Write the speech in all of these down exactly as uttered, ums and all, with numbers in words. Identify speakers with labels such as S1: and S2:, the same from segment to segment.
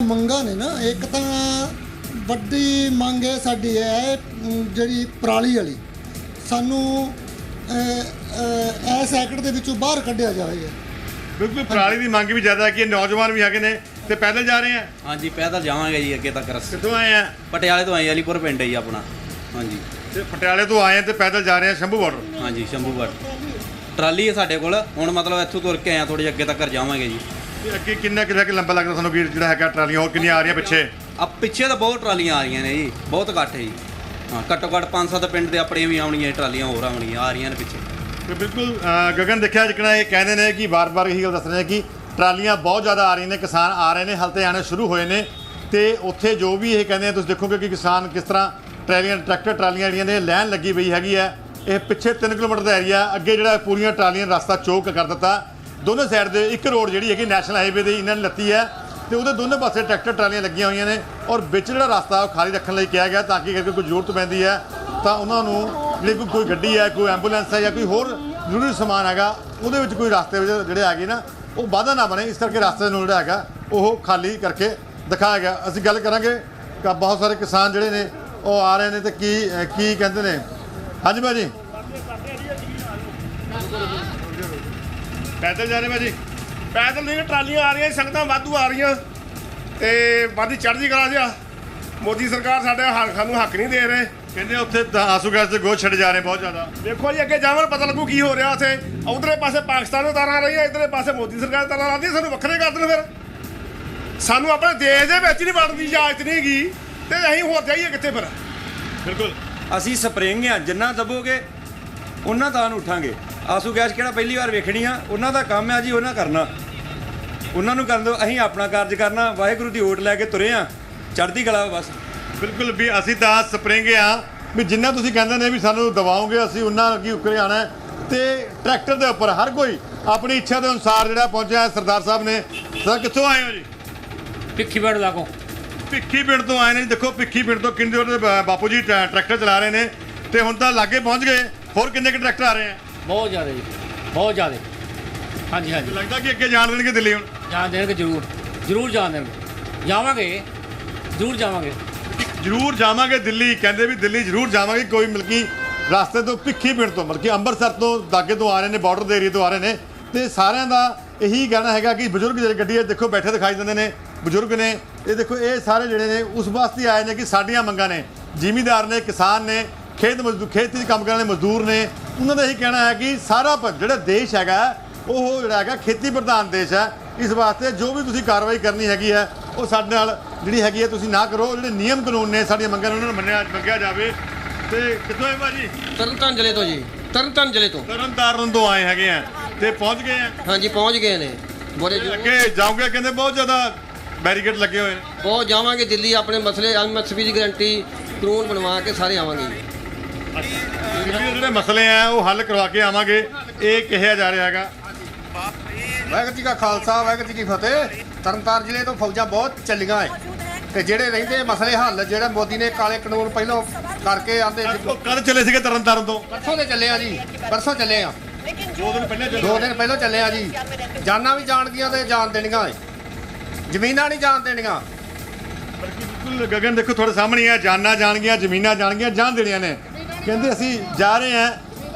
S1: ਮੰਗਾਂ ਨੇ ਨਾ, ਇੱਕ ਤਾਂ ਵੱਡੀ ਮੰਗ ਹੈ ਸਾਡੀ ਹੈ ਜਿਹੜੀ ਪਰਾਲੀ ਵਾਲੀ, ਸਾਨੂੰ ਇਸ ਸੈਕਟਰ ਦੇ ਵਿੱਚੋਂ ਬਾਹਰ ਕੱਢਿਆ ਜਾਵੇ।
S2: ਬਿਲਕੁਲ ਪਰਾਲੀ ਦੀ ਮੰਗ ਵੀ ਜ਼ਿਆਦਾ ਕਿ ਨੌਜਵਾਨ ਵੀ ਹੈਗੇ ਨੇ ਤੇ ਪੈਦਲ ਜਾ ਰਹੇ ਆ।
S3: ਹਾਂਜੀ ਪੈਦਲ ਜਾਵਾਂਗੇ ਜੀ ਅੱਗੇ ਤੱਕ। ਰਸਤੇ
S2: ਕਿੱਥੋਂ ਆਏ ਆ?
S3: ਪਟਿਆਲੇ ਤੋਂ ਆਏ, ਅਲੀਪੁਰ ਪਿੰਡ ਹੈ ਜੀ ਆਪਣਾ। ਹਾਂਜੀ
S2: ਤੇ ਪਟਿਆਲੇ ਤੋਂ ਆਏ ਤੇ ਪੈਦਲ ਜਾ ਰਹੇ ਆ ਸ਼ੰਭੂ ਬਾਰਡਰ।
S3: ਹਾਂਜੀ ਸ਼ੰਭੂ ਬਾਰਡਰ ਟਰਾਲੀ ਹੈ ਸਾਡੇ ਕੋਲ। ਹੁਣ ਮਤਲਬ ਇੱਥੋਂ ਤੁਰ ਕੇ ਆਏ ਥੋੜ੍ਹੇ ਜਿਹੇ ਅੱਗੇ ਤੱਕ ਜਾਵਾਂਗੇ ਜੀ।
S2: ਤੇ ਅੱਗੇ ਕਿੰਨਾ ਕਿੰਨਾ ਕਿ ਲੰਬਾ ਲੱਗਦਾ ਤੁਹਾਨੂੰ ਵੀਰ ਜਿਹੜਾ ਹੈਗਾ ਟਰਾਲੀਆਂ ਹੋਰ ਕਿੰਨੀਆਂ ਆ ਰਹੀਆਂ ਪਿੱਛੇ?
S3: ਆ ਪਿੱਛੇ ਤਾਂ ਬਹੁਤ ਟਰਾਲੀਆਂ ਆ ਰਹੀਆਂ ਨੇ ਜੀ, ਬਹੁਤ ਘੱਟ ਹੈ ਜੀ। ਹਾਂ ਘੱਟੋ ਘੱਟ ਪੰਜ ਸੱਤ ਪਿੰਡ ਦੇ ਆਪਣੀਆਂ ਵੀ ਆਉਣੀਆਂ ਟਰਾਲੀਆਂ, ਹੋਰ ਆਉਣੀਆਂ ਆ ਰਹੀਆਂ ਨੇ ਪਿੱਛੇ।
S2: ਤੇ ਬਿਲਕੁਲ ਗਗਨ ਦੇਖਿਆ ਜਿਕਣਾ ਇਹ ਕਹਿੰਦੇ ਨੇ ਕਿ ਵਾਰ-ਵਾਰ ਇਹੀ ਗੱਲ ਦੱਸ ਰਹੇ ਨੇ ਕਿ ਟਰਾਲੀਆਂ ਬਹੁਤ ਜ਼ਿਆਦਾ ਆ ਰਹੀਆਂ ਨੇ, ਕਿਸਾਨ ਆ ਰਹੇ ਨੇ, ਹਲ ਤੇ ਆਉਣੇ ਸ਼ੁਰੂ ਹੋਏ ਨੇ। ਤੇ ਉੱਥੇ ਜੋ ਵੀ ਇਹ ਕਹਿੰਦੇ ਆ ਤੁਸੀਂ ਦੇਖੋਗੇ ਕਿ ਕਿਸਾਨ ਕਿਸ ਤਰ੍ਹਾਂ ਟਰਾਲੀਆਂ ਟਰੈਕਟਰ ਟਰਾਲੀਆਂ ਜਿਹੜੀਆਂ ਨੇ ਲਾਈਨ ਲੱਗੀ ਪਈ ਹੈਗੀ ਹੈ। ਇਹ ਪਿੱਛੇ ਤਿੰਨ ਕਿਲੋਮੀਟਰ ਦਾ ਏਰੀਆ, ਅੱਗੇ ਜਿਹੜਾ ਪੂਰੀਆਂ ਟਰਾਲੀਆਂ ਰਸਤਾ ਚੌਕ ਕਰ ਦਿੱਤਾ। ਦੋਨੋਂ ਸਾਈਡ ਦੇ ਇੱਕ ਰੋਡ ਜਿਹੜੀ ਹੈਗੀ ਨੈਸ਼ਨਲ ਹਾਈਵੇ ਦੇ ਇਹਨਾਂ ਨੇ ਲੱਤੀ ਹੈ ਤੇ ਉਹਦੇ ਦੋਨੋਂ ਪਾਸੇ ਟਰੈਕਟਰ ਟਰਾਲੀਆਂ ਲੱਗੀਆਂ ਹੋਈਆਂ ਨੇ ਔਰ ਵਿੱਚ ਜਿਹੜਾ ਰਸਤਾ ਉਹ ਖਾਲੀ ਰੱਖਣ ਲਈ ਕਿਹਾ ਗਿਆ ਤਾਂ ਕਿ ਅਗਰ ਕੋਈ ਜ਼ਰੂਰਤ ਪੈਂਦੀ ਹੈ ਤਾਂ ਉਹਨਾਂ ਨੂੰ ਜਿਹੜੀ ਕੋਈ ਗੱਡੀ ਹੈ, ਕੋਈ ਐਂਬੂਲੈਂਸ ਹੈ ਜਾਂ ਕੋਈ ਹੋਰ ਜ਼ਰੂਰੀ ਸਮਾਨ ਹੈਗਾ ਉਹਦੇ ਵਿੱਚ ਕੋਈ ਰਸਤੇ ਵਿੱਚ ਜਿਹੜੇ ਹੈਗੇ ਨਾ ਉਹ ਵਾਧਾ ਨਾ ਬਣੇ, ਇਸ ਕਰਕੇ ਰਸਤੇ ਨੂੰ ਜਿਹੜਾ ਹੈਗਾ ਉਹ ਖਾਲੀ ਕਰਕੇ ਦਿਖਾਇਆ ਗਿਆ। ਅਸੀਂ ਗੱਲ ਕਰਾਂਗੇ ਕਿ ਬਹੁਤ ਸਾਰੇ ਕਿਸਾਨ ਜਿਹੜੇ ਨੇ ਉਹ ਆ ਰਹੇ ਨੇ ਤੇ ਕੀ ਕੀ ਕਹਿੰਦੇ ਨੇ। ਹਾਂਜੀ ਭਾਜੀ ਪੈਦਲ ਜਾ ਰਹੇ ਭਾਜੀ?
S4: ਪੈਦਲ ਨਹੀਂ, ਟਰਾਲੀਆਂ ਆ ਰਹੀਆਂ, ਸੰਗਤਾਂ ਵਾਧੂ ਆ ਰਹੀਆਂ ਤੇ ਵਾਧੀ ਚੜ੍ਹਦੀ ਕਲਾ ਜਿਹਾ। ਮੋਦੀ ਸਰਕਾਰ ਸਾਡੇ ਹੱਕ ਸਾਨੂੰ ਹੱਕ ਨਹੀਂ ਦੇ ਰਹੇ।
S2: ਕਹਿੰਦੇ ਉੱਥੇ ਆਂਸੂ ਗੈਸ ਦੇ ਗੋਸ਼ ਛੱਡ ਜਾ ਰਹੇ ਬਹੁਤ ਜ਼ਿਆਦਾ।
S4: ਦੇਖੋ ਜੀ ਅੱਗੇ ਜਾਵਣ ਪਤਾ ਲੱਗੂ ਕੀ ਹੋ ਰਿਹਾ ਉੱਥੇ। ਉਧਰਲੇ ਪਾਸੇ ਪਾਕਿਸਤਾਨ ਨੂੰ ਤਾਰਾਂ ਰਹੀਆਂ, ਇੱਧਰਲੇ ਪਾਸੇ ਮੋਦੀ ਸਰਕਾਰ ਤਾਰਾਂ ਲਾਉਂਦੀ, ਸਾਨੂੰ ਵੱਖਰੇ ਕਰ ਦੇਣ। ਫਿਰ ਸਾਨੂੰ ਆਪਣੇ ਦੇਸ਼ ਦੇ ਵਿੱਚ ਨਹੀਂ ਵੜਨ ਦੀ ਇਜਾਜ਼ਤ ਨਹੀਂ ਹੈਗੀ ਤੇ ਅਸੀਂ ਹੋਰ ਜਾਈਏ ਕਿੱਥੇ ਫਿਰ?
S2: ਬਿਲਕੁਲ
S5: ਅਸੀਂ ਸਪਰਿੰਗ ਆ, ਜਿੰਨਾ ਦਬੋਗੇ ਉਹਨਾਂ ਤਾਂ ਉੱਠਾਂਗੇ। ਆਸੂ ਗੈਸ ਕਿਹੜਾ ਪਹਿਲੀ ਵਾਰ ਵੇਖਣੀ ਆ, ਉਹਨਾਂ ਦਾ ਕੰਮ ਆ ਜੀ, ਉਹਨਾਂ ਕਰਨਾ, ਉਹਨਾਂ ਨੂੰ ਕਰਨ ਦਿਓ। ਅਸੀਂ ਆਪਣਾ ਕਾਰਜ ਕਰਨਾ, ਵਾਹਿਗੁਰੂ ਦੀ ਓਟ ਲੈ ਕੇ ਤੁਰੇ ਆ, ਚੜ੍ਹਦੀ ਕਲਾ ਬਸ।
S2: ਬਿਲਕੁਲ ਵੀ ਅਸੀਂ ਤਾਂ ਸਪਰਿੰਗ ਆ ਵੀ ਜਿੰਨਾ ਤੁਸੀਂ ਕਹਿੰਦੇ ਨੇ ਵੀ ਸਾਨੂੰ ਦਵਾਓਗੇ ਅਸੀਂ ਉਹਨਾਂ ਅੱਗੇ ਉੱਕਰੇ ਆਉਣਾ। ਤੇ ਟਰੈਕਟਰ ਦੇ ਉੱਪਰ ਹਰ ਕੋਈ ਆਪਣੀ ਇੱਛਾ ਦੇ ਅਨੁਸਾਰ ਜਿਹੜਾ ਪਹੁੰਚਿਆ। ਸਰਦਾਰ ਸਾਹਿਬ ਨੇ, ਸਰ ਕਿੱਥੋਂ ਆਏ ਹੋ ਜੀ?
S6: ਭਿੱਖੀ ਪਿੰਡ ਲਾਗੋਂ।
S2: ਭਿੱਖੀ ਪਿੰਡ ਤੋਂ ਆਏ ਨੇ। ਦੇਖੋ ਭਿੱਖੀ ਪਿੰਡ ਤੋਂ ਕਿੰਨੇ ਉਹਦੇ ਬਾਪੂ ਜੀ ਟਰੈਕਟਰ ਚਲਾ ਰਹੇ ਨੇ ਤੇ ਹੁਣ ਤਾਂ ਲਾਗੇ ਪਹੁੰਚ ਗਏ। ਹੋਰ ਕਿੰਨੇ ਕੁ ਟਰੈਕਟਰ ਆ ਰਹੇ ਆ?
S6: ਬਹੁਤ ਜ਼ਿਆਦਾ ਜੀ, ਬਹੁਤ ਜ਼ਿਆਦਾ। ਹਾਂਜੀ ਹਾਂਜੀ
S2: ਲੱਗਦਾ ਕਿ ਅੱਗੇ ਜਾਣ ਦੇਣਗੇ ਦਿੱਲੀ? ਹੁਣ
S6: ਜਾਣ ਦੇਣਗੇ, ਜ਼ਰੂਰ ਜ਼ਰੂਰ ਜਾਣ ਦੇਣਗੇ। ਜਾਵਾਂਗੇ, ਜ਼ਰੂਰ ਜਾਵਾਂਗੇ,
S2: ਜ਼ਰੂਰ ਜਾਵਾਂਗੇ ਦਿੱਲੀ। ਕਹਿੰਦੇ ਵੀ ਦਿੱਲੀ ਜ਼ਰੂਰ ਜਾਵਾਂਗੇ। ਕੋਈ ਮਲਕੀ ਰਸਤੇ ਤੋਂ ਭਿੱਖੀ ਪਿੰਡ ਤੋਂ ਮਲਕੀ ਅੰਮ੍ਰਿਤਸਰ ਤੋਂ ਦਾਗੇ ਤੋਂ ਆ ਰਹੇ ਨੇ, ਬਾਰਡਰ ਦੇ ਏਰੀਏ ਤੋਂ ਆ ਰਹੇ ਨੇ ਤੇ ਸਾਰਿਆਂ ਦਾ ਇਹੀ ਕਹਿਣਾ ਹੈਗਾ ਕਿ ਬਜ਼ੁਰਗ ਜਿਹੜੇ ਗੱਡੀ 'ਚ ਦੇਖੋ ਬੈਠੇ ਦਿਖਾਈ ਦਿੰਦੇ ਨੇ, ਬਜ਼ੁਰਗ ਨੇ। ਇਹ ਦੇਖੋ ਇਹ ਸਾਰੇ ਜਿਹੜੇ ਨੇ ਉਸ ਵਾਸਤੇ ਆਏ ਨੇ ਕਿ ਸਾਡੀਆਂ ਮੰਗਾਂ ਨੇ। ਜ਼ਿਮੀਂਦਾਰ ਨੇ, ਕਿਸਾਨ ਨੇ, ਖੇਤ ਮਜ਼ਦੂਰ, ਖੇਤੀ 'ਚ ਕੰਮ ਕਰਨ ਵਾਲੇ ਮਜ਼ਦੂਰ ਨੇ, ਉਹਨਾਂ ਦਾ ਇਹੀ ਕਹਿਣਾ ਹੈ ਕਿ ਸਾਰਾ ਜਿਹੜਾ ਦੇਸ਼ ਹੈਗਾ ਉਹ ਜਿਹੜਾ ਹੈਗਾ ਖੇਤੀ ਪ੍ਰਧਾਨ ਦੇਸ਼ ਹੈ। ਇਸ ਵਾਸਤੇ ਜੋ ਵੀ ਤੁਸੀਂ ਕਾਰਵਾਈ ਕਰਨੀ ਹੈਗੀ ਹੈ ਉਹ ਸਾਡੇ ਨਾਲ ਜਿਹੜੀ ਹੈਗੀ ਹੈ ਤੁਸੀਂ ਨਾ ਕਰੋ। ਜਿਹੜੇ ਨਿਯਮ ਕਾਨੂੰਨ ਨੇ ਸਾਡੀਆਂ ਮੰਗਾਂ ਉਹਨਾਂ ਨੂੰ ਮੰਨਿਆ ਮੰਗਿਆ ਜਾਵੇ। ਤੇ ਕਿੱਥੋਂ ਹੈ ਭਾਜੀ?
S7: ਤਰਨਤਾਰਨ ਜ਼ਿਲ੍ਹੇ ਤੋਂ ਜੀ, ਤਰਨਤਾਰਨ ਜ਼ਿਲ੍ਹੇ ਤੋਂ।
S2: ਤਰਨਤਾਰਨ ਤੋਂ ਆਏ ਹੈਗੇ ਆ ਤੇ ਪਹੁੰਚ ਗਏ ਆ?
S7: ਹਾਂਜੀ ਪਹੁੰਚ ਗਏ ਨੇ। ਬੜੇ
S2: ਅੱਗੇ ਜਾਓਗੇ ਕਹਿੰਦੇ ਬਹੁਤ ਜ਼ਿਆਦਾ ਬੈਰੀਕੇਡ ਲੱਗੇ ਹੋਏ ਨੇ।
S7: ਬਹੁਤ ਜਾਵਾਂਗੇ ਦਿੱਲੀ, ਆਪਣੇ ਮਸਲੇ ਐਮਐਸਪੀ ਦੀ ਗਰੰਟੀ ਕਾਨੂੰਨ ਬਣਵਾ ਕੇ ਸਾਰੇ ਆਵਾਂਗੇ ਜੀ।
S2: ਜਿਹੜੇ ਮਸਲੇ ਆ ਉਹ ਹੱਲ ਕਰਵਾ ਕੇ ਆਵਾਂਗੇ, ਇਹ ਕਿਹਾ ਜਾ ਰਿਹਾ ਹੈਗਾ।
S8: ਵਾਹਿਗੁਰੂ ਜੀ ਕਾ ਖਾਲਸਾ, ਵਾਹਿਗੁਰੂ ਜੀ ਕੀ ਫਤਿਹ। ਤਰਨਤਾਰਨ ਜ਼ਿਲ੍ਹੇ ਤੋਂ ਫੌਜਾਂ ਬਹੁਤ ਚੱਲੀਆਂ ਹੈ ਤੇ ਜਿਹੜੇ ਰਹਿੰਦੇ ਮਸਲੇ ਹੱਲ ਜਿਹੜੇ ਮੋਦੀ ਨੇ ਕਾਲੇ ਕਾਨੂੰਨ ਪਹਿਲਾਂ ਕਰਕੇ ਆਂਦੇ।
S2: ਕਦ ਚੱਲੇ ਸੀਗੇ ਤਰਨਤਾਰਨ ਤੋਂ?
S8: ਪਰਸੋਂ ਦੇ ਚੱਲੇ ਆ ਜੀ, ਪਰਸੋਂ ਚੱਲੇ ਆ।
S2: ਦੋ ਦਿਨ ਪਹਿਲਾਂ
S8: ਦੋ ਦਿਨ ਪਹਿਲਾਂ ਚੱਲੇ ਆ ਜੀ। ਜਾਨਾਂ ਵੀ ਜਾਣਦੀਆਂ ਤੇ ਜਾਣ ਦੇਣੀਆਂ ਹੈ, ਜ਼ਮੀਨਾਂ ਨਹੀਂ ਜਾਣ ਦੇਣੀਆਂ।
S2: ਬਿਲਕੁਲ ਗਗਨ ਦੇਖੋ ਤੁਹਾਡੇ ਸਾਹਮਣੇ ਆ, ਜਾਨਾਂ ਜਾਣਗੀਆਂ, ਜ਼ਮੀਨਾਂ ਜਾਣਗੀਆਂ, ਜਾਣ ਦੇਣੀਆਂ ਨੇ। ਕਹਿੰਦੇ ਅਸੀਂ ਜਾ ਰਹੇ ਹਾਂ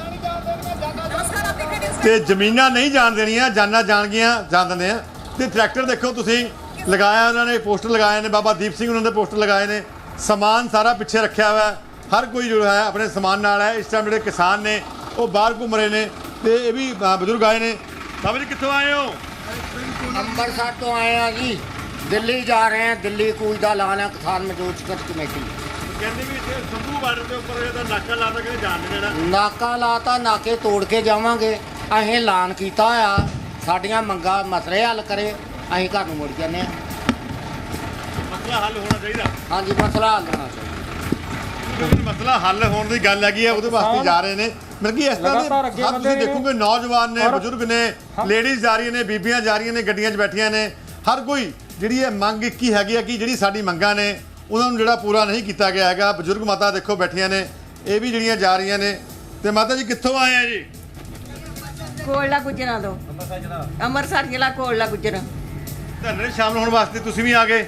S2: ਤੇ ਜ਼ਮੀਨਾਂ ਨਹੀਂ ਜਾਣ ਦੇਣੀਆਂ, ਜਾਨਾਂ ਜਾਣਗੀਆਂ, ਜਾਣ ਦਿੰਦੇ ਆ। ਤੇ ਟਰੈਕਟਰ ਦੇਖੋ ਤੁਸੀਂ ਲਗਾਇਆ, ਉਹਨਾਂ ਨੇ ਪੋਸਟਰ ਲਗਾਏ ਨੇ, ਬਾਬਾ ਦੀਪ ਸਿੰਘ ਉਹਨਾਂ ਦੇ ਪੋਸਟਰ ਲਗਾਏ ਨੇ। ਸਮਾਨ ਸਾਰਾ ਪਿੱਛੇ ਰੱਖਿਆ ਹੋਇਆ, ਹਰ ਕੋਈ ਜੋ ਹੈ ਆਪਣੇ ਸਮਾਨ ਨਾਲ ਹੈ। ਇਸ ਟਾਈਮ ਜਿਹੜੇ ਕਿਸਾਨ ਨੇ ਉਹ ਬਾਹਰ ਘੁੰਮ ਰਹੇ ਨੇ ਤੇ ਇਹ ਵੀ ਬਜ਼ੁਰਗ ਆਏ ਨੇ। ਬਾਬਾ ਜੀ ਕਿੱਥੋਂ ਆਏ ਹੋ?
S9: ਅੰਮ੍ਰਿਤਸਰ ਤੋਂ ਆਏ ਆ ਜੀ, ਦਿੱਲੀ ਜਾ ਰਹੇ ਹਾਂ। ਦਿੱਲੀ ਕੂਚ ਦਾ ਐਲਾਨ ਹੈ ਕਿਸਾਨ ਮਜ਼ਦੂਰ ਸੰਘਰਸ਼ ਕਮੇਟੀ।
S2: ਕਹਿੰਦੇ ਵੀ ਇੱਥੇ ਸ਼ੰਭੂ ਬਾਰਡਰ ਦੇ ਉੱਪਰ ਇਹਦਾ ਨਾਕਾ ਲਾ ਕੇ ਜਾਣ ਨਹੀਂ ਦੇਣਾ।
S9: ਨਾਕਾ ਲਾਤਾ, ਨਾਕੇ ਤੋੜ ਕੇ ਜਾਵਾਂਗੇ। ਅਸੀਂ ਐਲਾਨ ਕੀਤਾ ਹੋਇਆ, ਸਾਡੀਆਂ ਮੰਗਾਂ ਮਸਲੇ ਹੱਲ ਕਰੇ, ਅਸੀਂ ਘਰ ਨੂੰ ਮੁੜ ਜਾਂਦੇ ਹਾਂ।
S2: ਮਸਲਾ ਹੱਲ ਹੋਣਾ ਚਾਹੀਦਾ।
S9: ਹਾਂਜੀ ਮਸਲਾ ਹੱਲ ਹੋਣਾ ਚਾਹੀਦਾ।
S2: ਮਸਲਾ ਹੱਲ ਹੋਣ ਦੀ ਗੱਲ ਹੈਗੀ ਆ, ਉਹਦੇ ਵਾਸਤੇ ਜਾ ਰਹੇ ਨੇ। ਮਤਲਬ ਕਿ ਇਸ ਤਰ੍ਹਾਂ ਦੇ ਤੁਸੀਂ ਦੇਖੋਗੇ ਨੌਜਵਾਨ ਨੇ, ਬਜ਼ੁਰਗ ਨੇ, ਲੇਡੀਜ਼ ਜਾ ਰਹੀਆਂ ਨੇ, ਬੀਬੀਆਂ ਜਾ ਰਹੀਆਂ ਨੇ, ਗੱਡੀਆਂ 'ਚ ਬੈਠੀਆਂ ਨੇ। ਹਰ ਕੋਈ ਜਿਹੜੀ ਇਹ ਮੰਗ ਇੱਕ ਹੀ ਹੈਗੀ ਆ ਕਿ ਜਿਹੜੀ ਸਾਡੀ ਮੰਗਾਂ ਨੇ ਉਹਨਾਂ ਨੂੰ ਜਿਹੜਾ ਪੂਰਾ ਨਹੀਂ ਕੀਤਾ ਗਿਆ ਹੈਗਾ। ਬਜ਼ੁਰਗ ਮਾਤਾ ਦੇਖੋ ਬੈਠੀਆਂ ਨੇ, ਇਹ ਵੀ ਜਿਹੜੀਆਂ ਜਾ ਰਹੀਆਂ ਨੇ। ਤੇ ਮਾਤਾ ਜੀ ਕਿੱਥੋਂ ਆਏ ਆ ਜੀ?
S10: ਕੋਲਾ ਗੁਜਰਾਂ ਤੋਂ। ਅੰਮ੍ਰਿਤਸਰ ਜ਼ਿਲ੍ਹਾ ਕੋਲਾ ਗੁਜਰਾਂ।
S2: ਧਰਨੇ ਸ਼ਾਮਲ ਹੋਣ ਵਾਸਤੇ ਤੁਸੀਂ ਵੀ ਆ ਗਏ?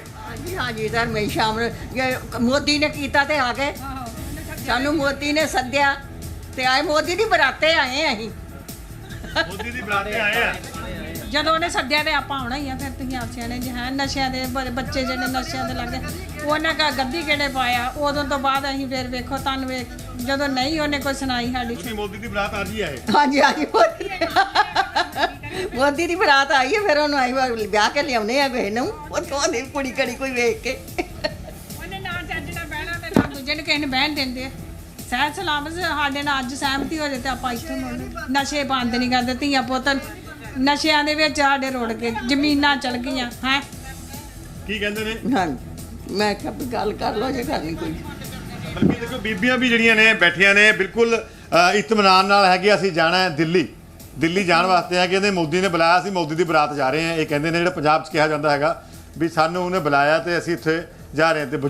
S10: ਹਾਂਜੀ ਹਾਂਜੀ ਧਰਮੇ ਸ਼ਾਮ ਨੂੰ ਜੇ ਮੋਦੀ ਨੇ ਕੀਤਾ ਤੇ ਆ ਗਏ ਸਾਨੂੰ ਮੋਦੀ ਨੇ ਸੱਦਿਆ ਤੇ ਆਏ ਮੋਦੀ ਦੀ ਬਰਾਤੇ ਆਏ ਅਸੀਂ
S2: ਮੋਦੀ ਦੀ ਬਰਾਤੇ ਆਏ ਆ
S11: ਜਦੋਂ ਉਹਨੇ ਸੱਦਿਆ ਤੇ ਆਪਾਂ ਆਉਣਾ ਹੀ ਆ ਫਿਰ ਤੁਸੀਂ ਆਪ ਸਿਆਣੇ ਜੇ ਹੈ ਨਸ਼ਿਆਂ ਦੇ ਬ- ਬੱਚੇ ਜਿਹੜੇ ਨਸ਼ਿਆਂ ਦੇ ਲੱਗੇ ਉਹਨੇ ਕਾ ਗੱਦੀ ਕਿਹੜੇ ਪਾਇਆ ਉਦੋਂ ਤੋਂ ਬਾਅਦ ਅਸੀਂ ਫਿਰ ਵੇਖੋ ਤੁਹਾਨੂੰ ਵੇਖ ਜਦੋਂ ਨਹੀਂ ਉਹਨੇ ਕੋਈ ਸੁਣਾਈ ਸਾਡੀ
S2: ਤੁਸੀਂ ਮੋਦੀ ਦੀ ਬਰਾਤ ਅੱਜ ਹੀ ਆਏ
S10: ਹਾਂਜੀ ਹਾਂਜੀ ਮੋਦੀ ਮੋਦੀ ਦੀ ਬਰਾਤ ਆਈ ਹੈ ਫਿਰ ਉਹਨੂੰ ਆਈ ਵਾਰ ਵਿਆਹ ਕੇ ਲਿਆਉਨੇ ਆ ਕਿਸੇ ਨੂੰ ਉੱਥੋਂ ਦੀ ਕੁੜੀ ਕੜੀ ਕੋਈ ਵੇਖ ਕੇ
S11: ਉਹਨੇ ਨਾ ਚੱਜ ਨਾਲ ਬਹਿਣਾ ਤੇ ਨਾ ਦੂਜੇ ਨੂੰ ਕਿਸੇ ਨੂੰ ਬਹਿਣ ਦਿੰਦੇ ਆ ਸਹਿ ਸਲਾਮਤ ਸਾਡੇ ਨਾਲ ਅੱਜ ਸਹਿਮਤੀ ਹੋ ਜਾਏ ਤੇ ਆਪਾਂ ਇੱਥੇ ਮੁੜ ਨਸ਼ੇ ਬੰਦ ਨਹੀਂ ਕਰਦੇ ਧੀਆਂ ਪੁੱਤ ਨਸ਼ਿਆਂ ਦੇ ਵਿੱਚ ਸਾਡੇ ਰੁੜ ਕੇ ਜ਼ਮੀਨਾਂ ਚਲ ਗਈਆਂ ਹੈ
S2: ਕੀ ਕਹਿੰਦੇ ਨੇ
S10: ਹਾਂ ਮੈਂ ਕਿਹਾ ਵੀ ਗੱਲ ਕਰ ਲਓ ਜੇ ਕਰਨੀ ਕੋਈ
S2: ਬਲਕਿ ਦੇਖੋ ਬੀਬੀਆਂ ਵੀ ਜਿਹੜੀਆਂ ਨੇ ਬੈਠੀਆਂ ਨੇ ਬਿਲਕੁਲ ਅ, ਇਤਮਾਨਾਨ ਨਾਲ ਹੈਗੇ ਅਸੀਂ ਜਾਣਾ ਹੈ ਦਿੱਲੀ ਦਿੱਲੀ ਜਾਣ ਵਾਸਤੇ ਆ ਕਿ ਇਹਦੇ ਮੋਦੀ ਨੇ ਬੁਲਾਇਆ ਸੀ ਮੋਦੀ ਦੀ ਬਰਾਤ ਜਾ ਰਹੇ ਹਾਂ ਇਹ ਕਹਿੰਦੇ ਨੇ ਜਿਹੜਾ ਪੰਜਾਬ 'ਚ ਕਿਹਾ ਜਾਂਦਾ ਹੈਗਾ ਵੀ ਸਾਨੂੰ ਉਹਨੇ ਬੁਲਾਇਆ ਤੇ ਅਸੀਂ ਇੱਥੇ ਜਾ ਰਹੇ ਹਾਂ ਤੇ